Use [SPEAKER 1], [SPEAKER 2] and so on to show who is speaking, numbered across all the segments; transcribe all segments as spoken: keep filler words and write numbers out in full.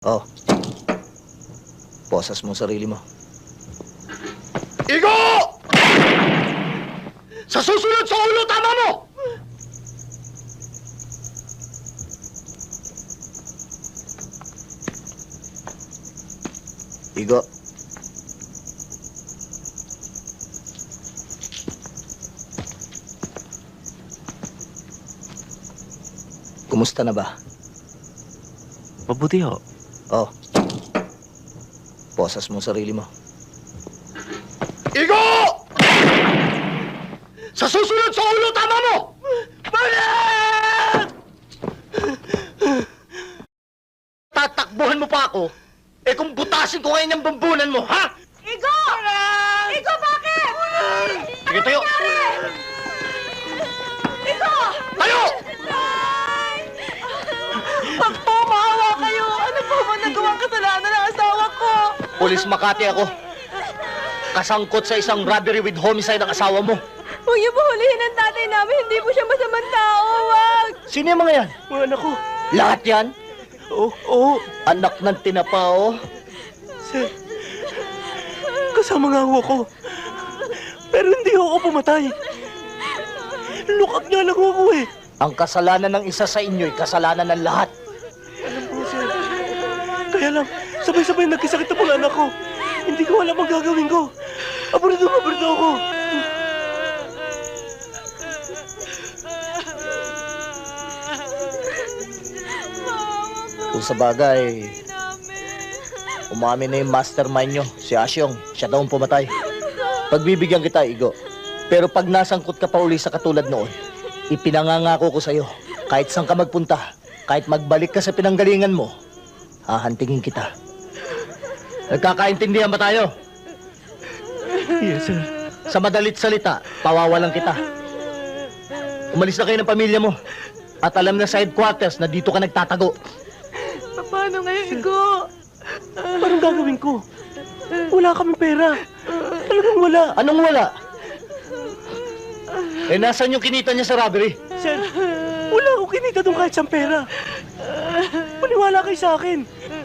[SPEAKER 1] Oh, posas mo sarili mo.
[SPEAKER 2] Igo! Sa susunod sa ulo, tama mo!
[SPEAKER 1] Igo. Kumusta na ba?
[SPEAKER 3] Mabuti ho.
[SPEAKER 1] Oh, posas mo sarili mo.
[SPEAKER 2] Igo! Sa susunod sa ulo, tama mo! Balik! Tatakbuhan mo pa ako? Eh kung butasin ko ngayon ang bambunan mo, ha?
[SPEAKER 4] Igo! Igo, bakit?
[SPEAKER 2] Sige, tayo!
[SPEAKER 4] Igo!
[SPEAKER 2] Tayo!
[SPEAKER 4] Pag po, maawa kayo. Ano po ba nagawang kasalanan ng asawa ko?
[SPEAKER 2] Pulis Makati ako. Kasangkot sa isang robbery with homicide ang asawa mo.
[SPEAKER 4] Huwag niyo po hulihin ang tatay namin. Hindi po siya masamang tao. Wag!
[SPEAKER 2] Sino yung mga yan?
[SPEAKER 3] Mga anak ko.
[SPEAKER 2] Lahat yan?
[SPEAKER 3] Oo, oo.
[SPEAKER 2] Anak ng tinapao?
[SPEAKER 3] Sir, kasama nga ho ako. Pero hindi ho ako pumatay. Lukak niya lang ho ako eh.
[SPEAKER 2] Ang kasalanan ng isa sa inyo'y kasalanan ng lahat.
[SPEAKER 3] Alam ko, sir. Kaya lang, sabay-sabay nagkasakit ang mga anak ko. Hindi ko alam ang gagawin ko. Aburado, aburado ako.
[SPEAKER 2] Kung sa bagay, umamin na yung mastermind nyo, si Asyong. Siya daw ang pumatay. Pagbibigyan kita, Igo. Pero pag nasangkot ka pa uli sa katulad noon, ipinangangako ko sa'yo, kahit saan ka magpunta, kahit magbalik ka sa pinanggalingan mo, hahantingin kita. Nagkakaintindihan ba tayo?
[SPEAKER 3] Yes, sir.
[SPEAKER 2] Sa madalit salita, pawawalan kita. Umalis na kayo ng pamilya mo. At alam na sa headquarters na dito ka nagtatago.
[SPEAKER 4] Paano ngayon, Igo?
[SPEAKER 3] Anong gagawin ko? Wala kaming pera. Talagang wala.
[SPEAKER 2] Anong wala? Eh, nasan yung kinita niya sa robbery?
[SPEAKER 3] Sir, wala akong kinita doon kahit saan pera. Maniwala kayo sa akin.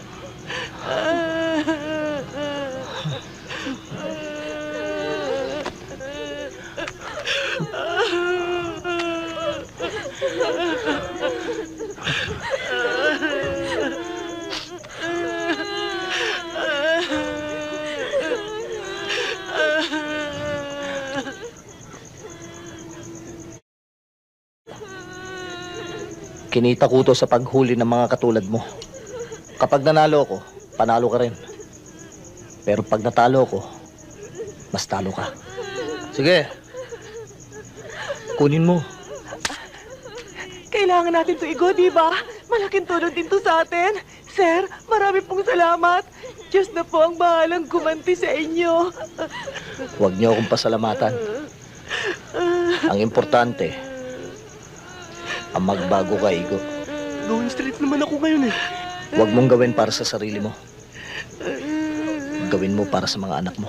[SPEAKER 2] Kinita ko to sa paghuli ng mga katulad mo. Kapag nanalo ko, panalo ka rin. Pero pag natalo ko, mas talo ka. Sige. Kunin mo.
[SPEAKER 4] Kailangan natin to, Igo, di ba? Malaking tulong din to sa atin. Sir, marami pong salamat. Diyos na po ang bahalang gumanti sa inyo.
[SPEAKER 2] Huwag niyo akong pasalamatan. Ang importante, ang magbago ka, Igo.
[SPEAKER 3] Going straight naman ako ngayon eh.
[SPEAKER 2] Huwag mong gawin para sa sarili mo. Gawin mo para sa mga anak mo.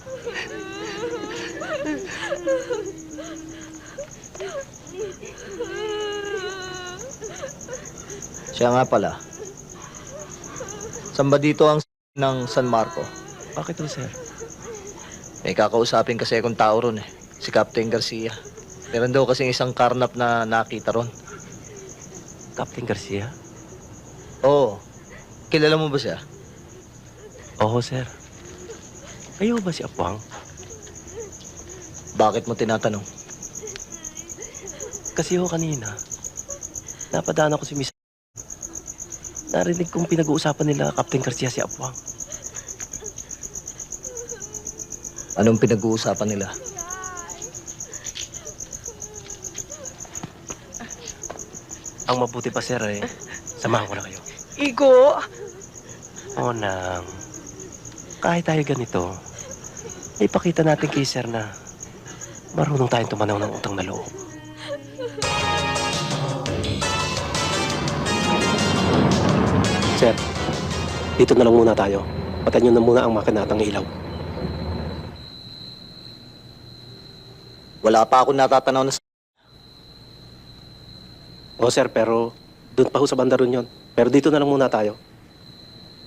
[SPEAKER 2] Siya nga pala. Saan ba dito ang ng San Marco?
[SPEAKER 3] Bakit ho, sir?
[SPEAKER 2] May kakausapin kasi akong tao ron eh. Si Captain Garcia. Meron daw kasing isang karnap na nakita ron.
[SPEAKER 3] Captain Garcia?
[SPEAKER 2] Oo. Kilala mo ba siya?
[SPEAKER 3] Oo, sir. Kayo ba si Apwang?
[SPEAKER 2] Bakit mo tinatanong?
[SPEAKER 3] Kasi ho kanina, napadaan ako si Miss. Narinig kong pinag-uusapan nila Captain Garcia si Apwang.
[SPEAKER 2] Anong pinag-uusapan nila?
[SPEAKER 3] Ang mabuti pa, sir, eh. Samahan ko na kayo.
[SPEAKER 4] Igo!
[SPEAKER 3] O nang, kahit tayo ganito, ipakita natin kay sir na marunong tayong tumanaw ng utang na loob. Sir, dito na lang muna tayo. Patayin nyo na muna ang makinatang ilaw.
[SPEAKER 2] Wala pa ako natatanaw na...
[SPEAKER 3] O sir, pero doon pa ho sa banda ron yun. Pero dito na lang muna tayo.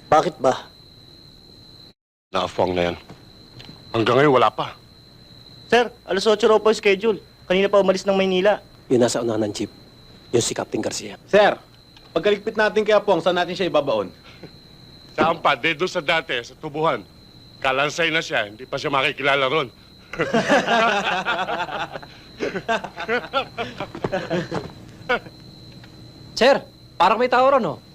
[SPEAKER 2] Bakit ba?
[SPEAKER 5] Naafuang na yan. Hanggang ngayon, wala pa.
[SPEAKER 2] Sir, alas otso raw po yung schedule. Kanina pa umalis ng Maynila.
[SPEAKER 3] Yung nasa unahan ng jeep, yung si Captain Garcia.
[SPEAKER 6] Sir, pagkaligpit natin kay Apong, saan natin siya ibabaon?
[SPEAKER 5] Saan pa? De doon sa dati, sa tubuhan. Kalansay na siya, hindi pa siya makikilala ron.
[SPEAKER 7] Sir, parang may tao ron, oh.